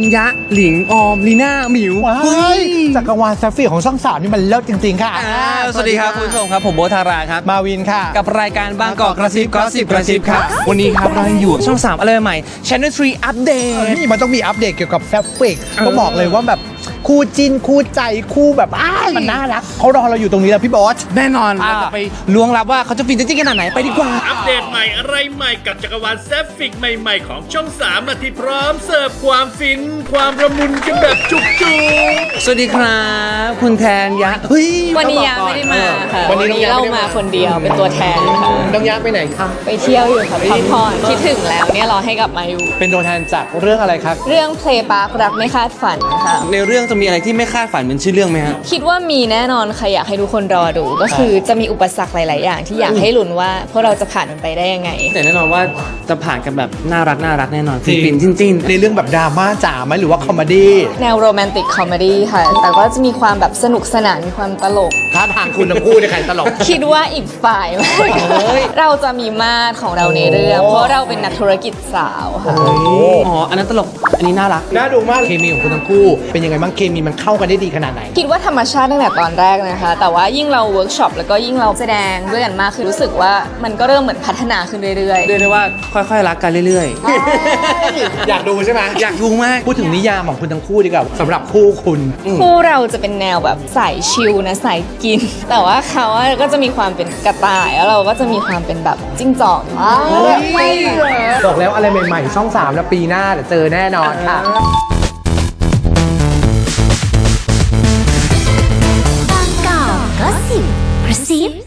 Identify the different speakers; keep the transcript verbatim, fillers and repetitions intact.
Speaker 1: ยะหลิงออมลีน่าหมิว
Speaker 2: เฮ้ยจักรวาลแซฟฟี่ของช่องสามนี่มันเลิศจริงๆค่ะ
Speaker 1: สวัสดีครับคุณผู้ชมครับผมโบทาราครับ
Speaker 2: มาวินค่ะ
Speaker 1: กับรายการบางกอกกระซิบก็สิบกระซิบครับวันนี้ครับเราอยู่ช่องสามอะไรใหม่ Channel ทรี อัปเดต
Speaker 2: นี่มันต้องมีอัปเดตเกี่ยวกับแซฟฟิกก็บอกเลยว่าแบบคู่จิ้นคู่ใจคู่แบบอ้ายมันน่ารักเขารอเราอยู่ตรงนี้แล้วพี่บอส
Speaker 1: แน่นอนเราจะไปล้วงลับว่าเขาจะฟินจริงๆขนาดไหนไปดีกว่า
Speaker 3: อัปเดตใหม่อะไรใหม่กับจักรวาลแซฟฟิกใหม่ๆของช่องสามนาทีพร้อมเสิร์ฟความฟิน ความระมุนกันแบบจุกจุก
Speaker 1: สวัสดีครับคุณแทนยะเฮ้ย
Speaker 4: วันนี้ยะไม่ได้มาค่ะ
Speaker 1: วัน
Speaker 4: วัน
Speaker 1: นี้
Speaker 4: นี้
Speaker 1: เรา
Speaker 4: เรามาคนเดียวเป็นตัวแทนค่ะ
Speaker 1: น้องยะไปไหนคะ
Speaker 4: ไปเที่ยวอยู่ค่ะพักผ่อนคิดถึงแล้วเนี่ยรอให้กลับมาอยู่
Speaker 2: เป็นตัวแทนจากเรื่องอะไรครับ
Speaker 4: เรื่องเพลย์ปาร์ครักไม่คาดฝันค่ะ
Speaker 1: ในเรื่องจะมีอะไรที่ไม่คาดฝันเหมือนชื่อเรื่องไหมฮะ
Speaker 4: คิดว่ามีแน่นอนค่ะอยากให้ทุกคนรอดู ก็คือจะมีอุปสรรคหลาย ๆ อย่างที่อยากให้ลุ้นว่าพวกเราจะผ่านมันไปได้ยังไง
Speaker 1: แต่แน่นอนว่าจะผ่านกันแบบน่ารักน่ารักแน่นอน
Speaker 2: จริง
Speaker 1: ฟินๆจิ้นๆ
Speaker 2: ในเรื่องแบบดราม่าจ๋าไหมหรือว่าคอมเมดี้
Speaker 4: แนวโรแมนติกคอมเมดี้ค่ะ แต่ก็จะมีความแบบสนุกสนานมีความตลก
Speaker 2: ท่าทางคุณทั้งคู่เนี่ยใครตลก
Speaker 4: คิดว่าอีกฝ่ายมากเราจะมีมาตรของเราในเรื่อง เพราะเราเป็นนักธุรกิจสาวค่ะ
Speaker 1: อ๋ออันนั้นตลกอันนี้น่ารัก
Speaker 2: น่าดูมากเคมีของคุณทั้งคู่ เป็นยังไงบ้างเคมีมันเข้ากันได้ดีขนาดไหน
Speaker 4: คิดว่าธรรมชาติตั้งแต่ตอนแรกนะคะ แต่ว่ายิ่งเราเวิร์กช็อปแล้วก็ยิ่งเราแสดงด้วยกันมากคือรู้สึกว่ามันก็เริ่มเหมือนพัฒนาขึ้นเรื่อย
Speaker 1: เรียกได้ว่าค่อยๆรักกันเรื่อย
Speaker 2: อยากดูใช่ไหม
Speaker 1: ๆ อยากดูมาก
Speaker 2: พูดถึงนิยามของคุณทั้งคู่ดีกว่าสำหรับคู่คุณ
Speaker 4: ๆ คู่เราจะเป็นแนวแบบสายชิลนะสายกิน แต่ว่าเขาอะก็จะมีความเป็นกระต่ายแล้วเราก็จะมีความเป็นแบบจิ้งจอก
Speaker 2: บอกแล้วอะไรใหม่ๆ ช่องสามแล้วปีหน้าเดี๋ยวเจอแน่นอนค่ะ
Speaker 5: บางกอกก็สิบกระซิบ